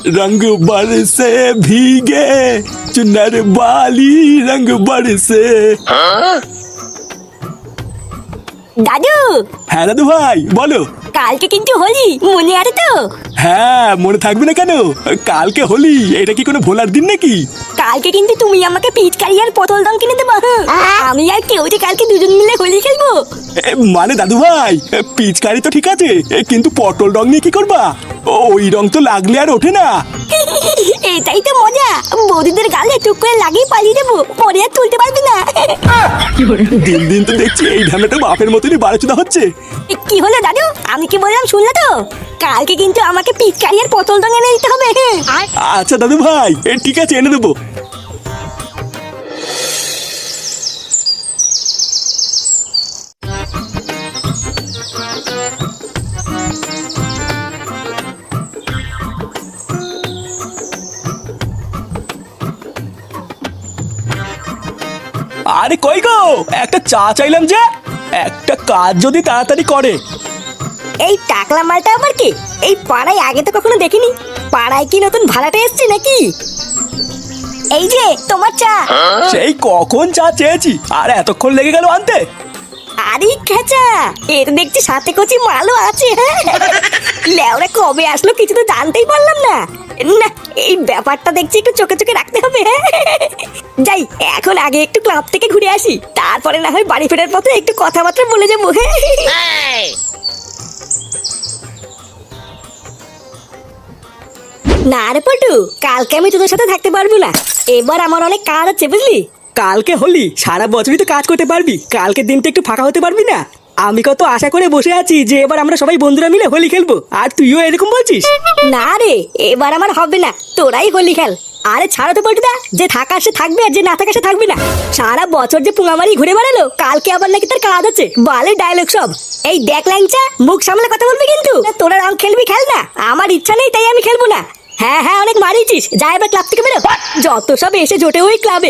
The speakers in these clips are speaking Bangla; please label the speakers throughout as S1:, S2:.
S1: रंग बरसे भीगे चुनर वाली रंग बरसे।
S2: দাদু।
S1: হ্যাঁ দাদু ভাই বলো।
S2: কালকে কিন্তু হোলি, মনে আছে তো?
S1: হ্যাঁ মনে থাকবে না কেন, কালকে হোলি, এটা কি কোনো ভোলার দিন নাকি?
S2: কালকে কিন্তু তুমি আমাকে পিচকারি আর পটল দম কিনে দেবো। আমি আর কেউ যে কালকে দুজন মিলে হোলি খেলবো।
S1: মানে দাদু ভাই পিচকারি তো ঠিক আছে, কিন্তু পটল রং নিয়ে কি করবা? ওই রং তো লাগলে আর ওঠে না।
S2: এটাই তো মজা, বৌদিদের গালে টুক করে লাগিয়ে পালিয়ে দেবো, পরে আর তুলতে পারবি না।
S1: দিন দিন তো দেখছি এই ঢামেটা বাপের মতনই বাড়াচুদা হচ্ছে।
S2: কি হলো দাদু, আমি কি বললাম শুনলে তো? কালকে কিন্তু আমাকে পিচকারি আর পটল দম এনে দিতে হবে।
S1: আচ্ছা দাদু ভাই ঠিক আছে এনে দেবো। আরে কই গো, একটা চা চাইলাম যে, একটা কাজ যদি তাড়াতাড়ি করে।
S2: এই টাকলা মালটা আবার কি? এই পাড়ায় আগে তো কখনো দেখিনি। পাড়ায় কি নতুন ভাড়াটা এসছে নাকি? এই যে তোমার চা।
S1: সেই কখন চা চেয়েছি আর এতক্ষণ লেগে গেল আনতে।
S2: আরে খেচা, এর দেখছি সাথে কচি মালও আছে। লেওরা কবে আসলো কিছু তো জানতেই পারলাম না। না, এই ব্যাপারটা দেখছি একটু চোখে চোখে রাখতে হবে। যাই, এখন আগে একটু ক্লাব থেকে ঘুরে আসি, তারপরে না হয় বাড়ি ফেরার পথে একটু কথাবার্তা বলে যাবো। না রে পটু, কালকে আমি তোদের সাথে থাকতে পারবো না। এবার আমার অনেক কাজ আছে বুঝলি।
S3: কালকে হোলি, সারা বছরই তো কাজ করতে পারবি, কালকের দিনটা একটু ফাঁকা হতে পারবি না? আমি কত আশা করে বসে আছি যে এবার আমরা সবাই বন্ধুরা মিলে হোলি খেলবো, আর তুইও এরকম বলছিস?
S2: না রে, এবার আমার হবে না, তোরাই হোলি খেল। আরে ছাড়ো তো পল্টুদা, যে থাকা সে থাকবে আর যে না থাকা সে থাকবে না। সারা বছর যে পুঙামারি ঘুরে বেড়ালো, কালকে আবার নাকি তার কাজ আছে, বালে ডায়লগ সব। এই দেখ ল্যাংচা, মুখ সামলে কথা বলবি কিন্তু। তোরা রং খেলবি খেল না, আমার ইচ্ছা নেই তাই আমি খেলবো না। হ্যাঁ হ্যাঁ, অনেক মারিয়েছিস, যা এবার ক্লাব থেকে বেরো। যত সব এসে জোটে ওই ক্লাবে।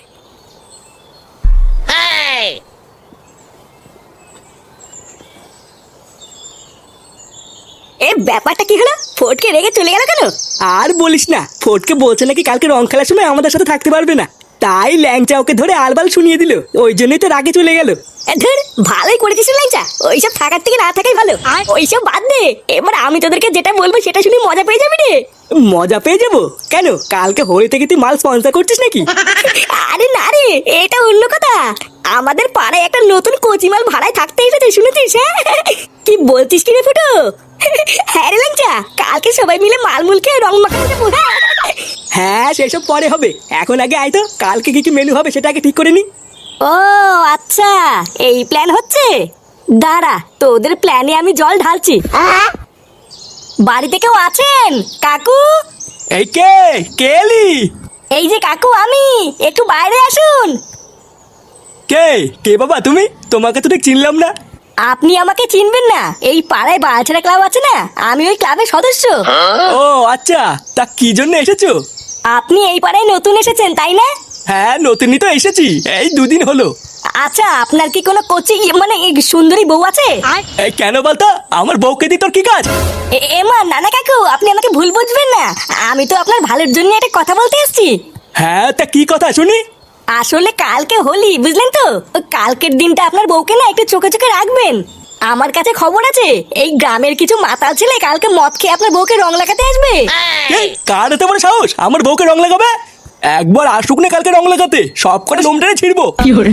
S2: এ ব্যাপারটা কি হলো? ফটকে রেগে চলে গেল কেন?
S3: আর বলিস না, ফটকে বলছে নাকি কালকে রং খেলার সময় আমাদের সাথে থাকতে পারবে না, তাই ল্যাংচা ওকে ধরে আলবাল শুনিয়ে দিল, ওই জন্যই তো রাগে চলে গেল।
S2: ধর, ভালোই করেছিস ল্যাংচা, ওইসব থাকার থেকে না থাকাই ভালো। ওইসব বাদ দে, এবার আমি তোদেরকে যেটা বলবো সেটা শুনে মজা পেয়ে যাবি রে।
S3: মজা পেয়ে যাবো কেন? কালকে হোলি থেকে তুই মাল স্পন্সর করছিস নাকি?
S2: আরে না রে, এটা অন্য কথা। আমাদের পাড়ায় একটা নতুন কচিমাল ভাড়ায় থাকতে এসেছে, শুনেছিস? হ্যাঁ, কি বলছিস কি রে ফুটো? হ্যাঁ রে ল্যাংচা, কালকে সবাই মিলে মালমুল খেয়ে রং মাখাতে যাবো।
S3: হ্যাঁ সেসব পরে হবে, এখন আগে আয় তো, কালকে কি কি মেনু হবে সেটা আগে ঠিক করে নি।
S2: ও আচ্ছা, এই প্ল্যান হচ্ছে। দাঁড়া, তোদের প্ল্যানে আমি জল ঢালছি। বাড়িতে কেউ আছেন কাকু?
S1: এই কে কে এলি?
S2: এই যে কাকু আমি, একটু বাইরে আসুন।
S1: কে কে বাবা তুমি? তোমাকে তো ঠিক চিনলাম না।
S2: আপনি আমাকে চিনবেন না? এই পাড়ায় বালছেড়া ক্লাব আছে না, আমি ওই ক্লাবের সদস্য।
S1: ও আচ্ছা, তা কি জন্য এসেছো?
S2: আপনি এই পাড়ায় নতুন এসেছেন তাই না?
S1: হ্যাঁ নতুনই তো এসেছি, এই দুদিন হলো।
S2: আচ্ছা, আপনার কি কোনো কোচি মানে এই সুন্দরী বউ আছে?
S1: এই কেন বলতো, আমার বউকে দি তোর কি কাজ?
S2: এমা নানা কাকু, আপনি আমাকে ভুল বুঝবেন না, আমি তো আপনার ভালোর জন্য একটা কথা বলতে এসেছি।
S1: হ্যাঁ তা কি কথা শুনি?
S2: আসলে কালকে হোলি, বুঝলেন তো? কালকের দিনটা আপনার বউকে না একটু চোখে চোখে রাখবেন। আমার কাছে খবর আছে, এই গ্রামের কিছু মাতাল ছেলে কালকে মদ খেয়ে আপনার বউকে রং লাগাতে আসবে।
S1: কার এত বড় সাহস আমার বউকে রং লাগাবে? একবার আসুক না কালকে রং লাগাতে, সব করে লোমটারে ছিড়বো।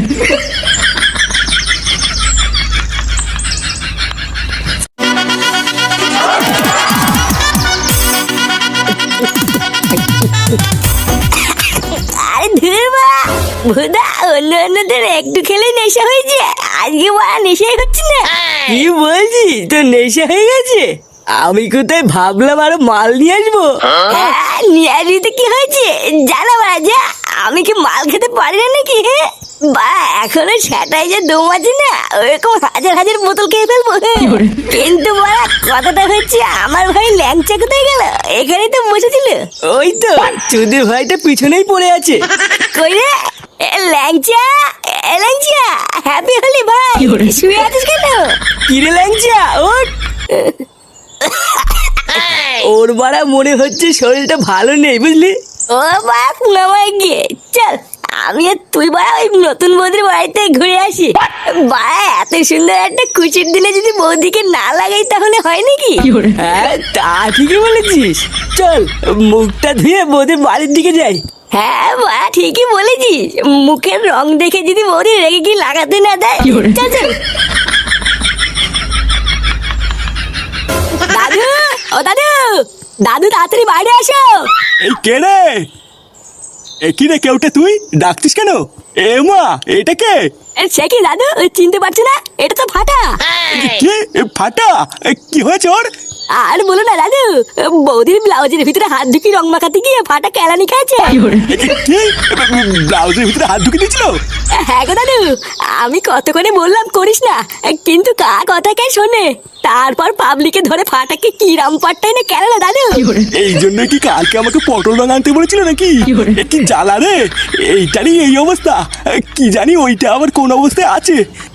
S2: আরে ধুরবা ভুদা, অন্য অন্যদের একটু খেলে নেশা হয়েছে, আজকে বড় নেশাই হচ্ছে না।
S3: কি বলছিস, তোর নেশা হয়ে গেছে? আমি কোথায় ভাবলাম আরো মাল নিয়ে আসবো।
S2: হ্যাঁ, নিয়ে আসবি তো কি হয়েছে, জানা বাজা, আমি কি মাল খেতে পারি না নাকি? বা এখনো সেটাই যে দম আছে না, ওরকম হাজার হাজার বোতল খেয়ে ফেলবো। কিন্তু বড়া কথাটা হচ্ছে, আমার ভাই ল্যাংচা কোথায় গেল? এখানেই তো বসেছিল।
S3: ওই তো চুদির ভাইটা পিছনেই পড়ে আছে।
S2: কই রে ল্যাংচা? ল্যাংচা, হ্যাপি হলি ভাই, শুয়ে আছিস কেন?
S3: কিরে ল্যাংচা ওঠ। ওর বাড়া মনে হচ্ছে শরীরটা ভালো নেই বুঝলি।
S2: ও বাড়া পুঙ্গামাই গিয়ে চল আমি আর তুই বাড়া ওই নতুন বৌদির বাড়িতে ঘুরে আসি। বাড়া এত সুন্দর একটা খুশির দিনে যদি বৌদিকে না লাগাই তাহলে হয় নাকি?
S3: হ্যাঁ তা ঠিকই বলেছিস, চল মুখটা ধুয়ে বৌদির বাড়ির দিকে যাই।
S2: হ্যাঁ বাড়া ঠিকই বলেছিস, মুখের রং দেখে যদি বৌদি রেগে কি লাগাতে না দেয়। চল চল। দাদু, ও দাদু, দাদু তাড়াতাড়ি বাইরে আসো।
S1: এই কে রে? কি রে কেউটে, তুই ডাকছিস কেন? এ মা, এটা কে?
S2: সে কি দাদু চিনতে পারছি না? এটা তো ফাটা।
S1: কি ফাটা? কি হয়েছে ওর?
S2: আর বলো না দাদু, বৌদির ব্লাউজের ভিতরে হাত ঢুকি রং মাখাতে গিয়ে ফাটা কেলানি খাচ্ছে।
S1: কি ব্লাউজের ভিতরে হাত ঢুকে দিয়েছিল?
S2: হ্যাঁ গো দাদু, আমি কত করে বললাম করিস না, কিন্তু কার কথা কে শোনে। তারপর পাবলিকে ধরে ফাটাকে কি রামপাটটাই না কেন দাদু।
S1: এই জন্য কি কালকে আমাকে পটল রং আনতে বলেছিল নাকি? কি জ্বালা রে, এইটারই এই অবস্থা। কি জানি ওইটা আবার কোন অবস্থায় আছে।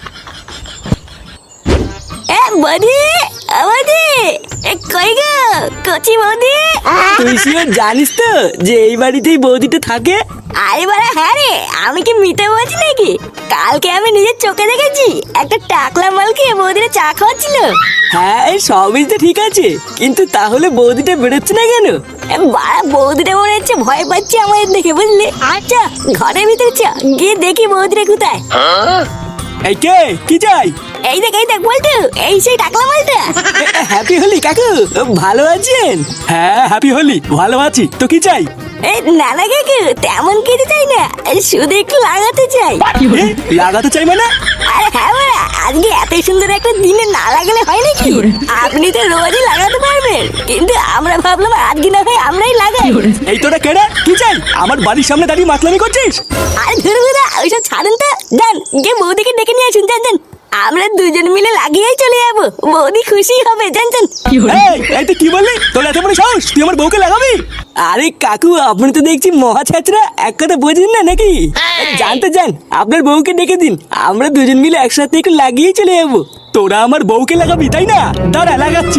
S2: এ বৌদি, বৌদি, কই গো কচি বৌদি?
S3: তুই শিওর জানিস তো যে এই বাড়িতেই বৌদিটা থাকে?
S2: আরে বাড়া হ্যাঁ রে, আমি কি মিথ্যে বলছি নাকি? কালকে আমি নিজের চোখে দেখেছি একটা টাকলা মালকে বৌদিরা চা খাওয়াচ্ছিল।
S3: হ্যাঁ এই সবই তো ঠিক আছে, কিন্তু তাহলে বৌদিটা বেরোচ্ছে না কেন?
S2: বাড়া বৌদিটা মনে হচ্ছে ভয় পাচ্ছে আমাদের দেখে বুঝলি। আচ্ছা ঘরের ভিতরে চ, গিয়ে দেখি বৌদিরা কোথায়।
S1: এই কে, কি চাই?
S2: এই দেখ বলতো, এই সেই টাকলা মালটা।
S3: হ্যাপি হোলি কাকু, ভালো আছেন?
S1: হ্যাঁ হ্যাপি হোলি, ভালো আছি। তো কি চাই?
S2: এই না না কাকু, তেমন কিছু চাই না, শুধু একটু লাগাতে চাই।
S1: এ, লাগাতে চাই মানে?
S2: আরে হ্যাঁ বাড়া, আজকে এত সুন্দর একটা দিনে না লাগালে হয় নাকি? আপনি তো রোজই লাগাতে পারবেন, কিন্তু আমরা ভাবলাম আজকে না হয় আমরাই লাগাই।
S1: এই তোরা কেডা, কি চাই? আমার বাড়ির সামনে দাঁড়িয়ে মাতলামি করছিস?
S2: আরে ধরু ওইসব ছাড়েন তো, যান গিয়ে বৌদিকে ডেকে নিয়ে আসুন, যান। আমরা দুজন মিলে লাগিয়েই চলে যাবো, বৌদি খুশি হবে, যান।
S1: এই তুই কি বললি? তোর এত বড় সাহস, তুই আমার বউকে লাগাবি?
S3: আরে কাকু আপনি তো দেখছি মহা ছাত্রা, এক কথা বোঝেন না নাকি? জানতে যান, আপনার বউকে ডেকে দিন, আমরা দুজন মিলে একসাথে একটু লাগিয়ে চলে যাবো।
S1: তোরা আমার বউকে লাগাবি তাই না? দাঁড়া লাগাচ্ছি।